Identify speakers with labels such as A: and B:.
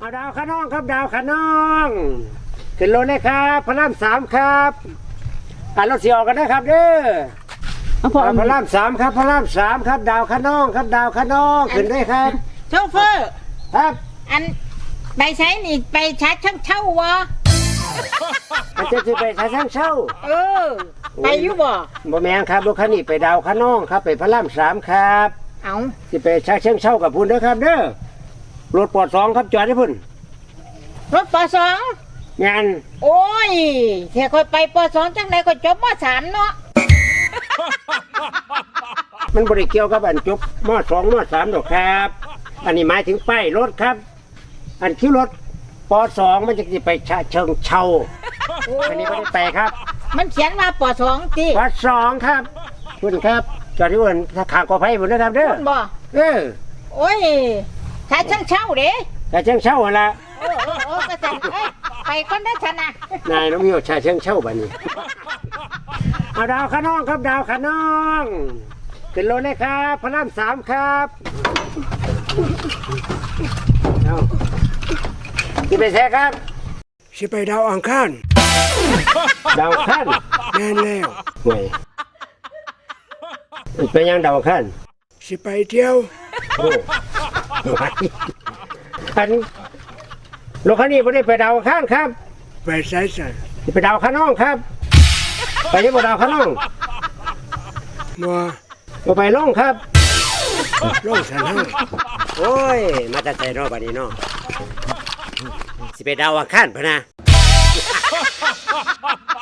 A: เอาดาวขน้องครับดาวขน้องขึ้นรถเลยครับพระรามสามครับรถเสียออกกันนะครับเด้อพระรามสามครับพระรามสามครับดาวขน้องครับดาวขน้องขึ้นได้ครับ
B: โชเฟอร์
A: ครับ
B: อันไปใช้นี่ไปช้าช่างเช่าวะ
A: มันจะไปช้างเช่า
B: ไปอยู่บ่
A: แม่นครับรถคันนี้ไปดาวขน้องครับไปพระรามสามครับ
B: เอา
A: สิไปช้างเช่ากับพุ่นเด้อครับเด้อรถปอดสองครับจอดให้พุ่น
B: รถปสอง
A: งาน
B: โอ้ยแค่ค่อยไปปสองจังไหนก็จบมสามเนาะ
A: มันบริเกี่ยวกับอันจบมสองมสามดอกครับอันนี้หมายถึงป้ายรถครับอันคิวรถปสองมันจะไปเชิงเช่าอันนี้ไม่ได้ไปครับ
B: มันเขียนว่าปสองจี
A: ปสองครับคุณครับจอดที่บนขางกอไผ่บนนะครับเด้อ
B: บ่โอ้ยช้าช่างเช่าเด้
A: ช้าเชิงเช่าอะไร
B: ก็สั่นไปคนได้ชนะ
A: นายน้องมิวชาเชิงเช่าบ้านี้เอาดาวขน้องครับดาวขน้องขึ้นรถเลยครับพระรามสามครับเอาที่ไปแท้ครับ
C: สิไปดาวอังคาร
A: ดาวขั้น
C: แม่นแล้ว
A: ห่วยไปยังดาวขั้น
C: สิไปเที่ยว
A: โอ้อันรถคันนี้ไม่ได้ไปดาวขั้นครับ
C: ไปไสสัน
A: ไปดาวขน้องครับไปยังบ่ดาวขน้อง
C: บ่
A: ไปล่องครับ
C: ล่องสันห้า
A: โอ้ยมาแต่ใจรอบอันนี้เนาะสิไปดาวอังคารพะนะ